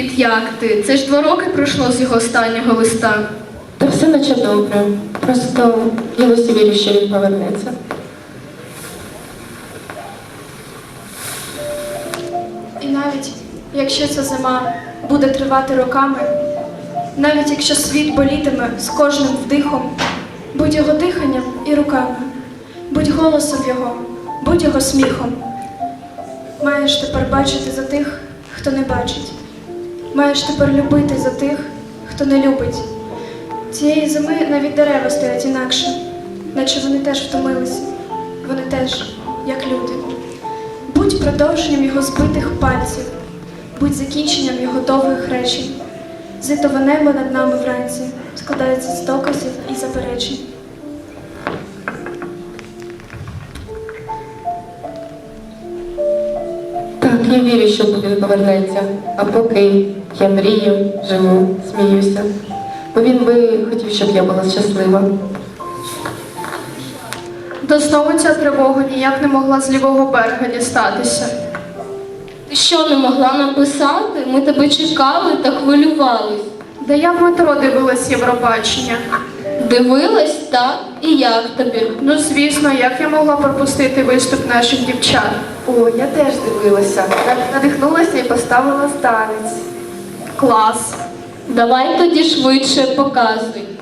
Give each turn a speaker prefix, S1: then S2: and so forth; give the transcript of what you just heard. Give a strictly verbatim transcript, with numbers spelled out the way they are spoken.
S1: Привіт, як ти? Це ж два роки пройшло з його останнього листа.
S2: Та все наче добре. Просто я досі вірю, що він повернеться.
S3: І навіть якщо ця зима буде тривати роками, навіть якщо світ болітиме з кожним вдихом, будь його диханням і руками, будь голосом його, будь його сміхом. Маєш тепер бачити за тих, хто не бачить. Маєш тепер любити за тих, хто не любить. Цієї зими навіть дерева стоять інакше, наче вони теж втомилися. Вони теж, як люди. Будь продовженням його збитих пальців, будь закінченням його довгих речень. Зитове небо над нами вранці складається з доказів і заперечень.
S2: Так, я вірю, що він повернеться. А поки я мрію, живу, сміюся. Бо він би хотів, щоб я була щаслива.
S1: Та знову ця тривога ніяк не могла з лівого берега дістатися.
S4: Ти що, не могла написати? Ми тебе чекали та хвилювались.
S1: Да я в метро дивилась Євробачення.
S4: Дивилась, так? І як тобі?
S1: Ну, звісно, як я могла пропустити виступ наших дівчат?
S5: О, я теж дивилася. Надихнулася і поставила станець.
S1: Клас.
S4: Давай тоді швидше показуй.